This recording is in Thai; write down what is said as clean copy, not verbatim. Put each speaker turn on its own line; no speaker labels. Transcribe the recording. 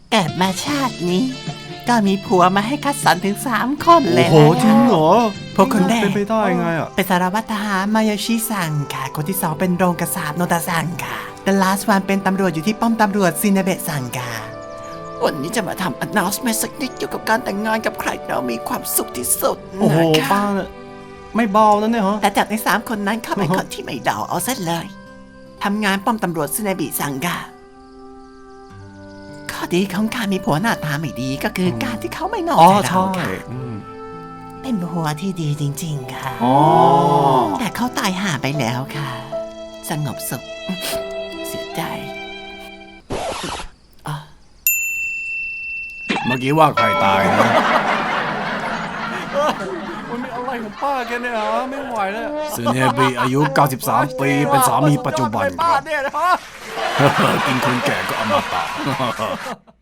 เกิดมาชาตินี้ ก็มีผัวมาให้คัดสรรถึง3 คนเล
โอ้
ย
โหจริงเหรอ
พวกคนแรก
เป็นไปได้ไงอ่ะ
เป็นสารวัตรทหารมายาชิซังค่ะ คนที่ 2 เป็นโรงกษาปโนตาซังค่ะ The last one เป็นตำรวจอยู่ที่ป้อมตำรวจซินาเบะซังค่ะ วันนี้จะมาทำ announcement สักนิดเกี่ยวกับการแต่งงานกับใครเรามีความสุขที่สุด
โอ้โห
นะคะ
ป้าเนี่ยไม่เบาแล้วเนี่ยฮะ
แต่จากใน3 คนนั้นเข้าไปคนที่ไม่เดาเอาซะเลยทำงานป้อมตำรวจซินาเบะซังค่ะข้อดีของการมีผัวหน้าตาไม่ดีก็คือการที่เขาไม่นอก
อ๋อ
ใจ
ใช่
เราค่ะ เป็นผัวที่ดีจริง ๆ ค่ะ
อ๋อ
แต่เขาตายห่าไปแล้วค่ะ สงบสุข เสียใจ
เมื่อกี้ว่าใครตายนะ
มันมีอะไรของป้าแกเนี่ยฮะไม่ไหวแล้ว
ซึเนบิอายุ 93 ปีเป็นสามีปัจจุบันครับ
เนี่ยนะฮะ
กินคนแก่ก็อมตะ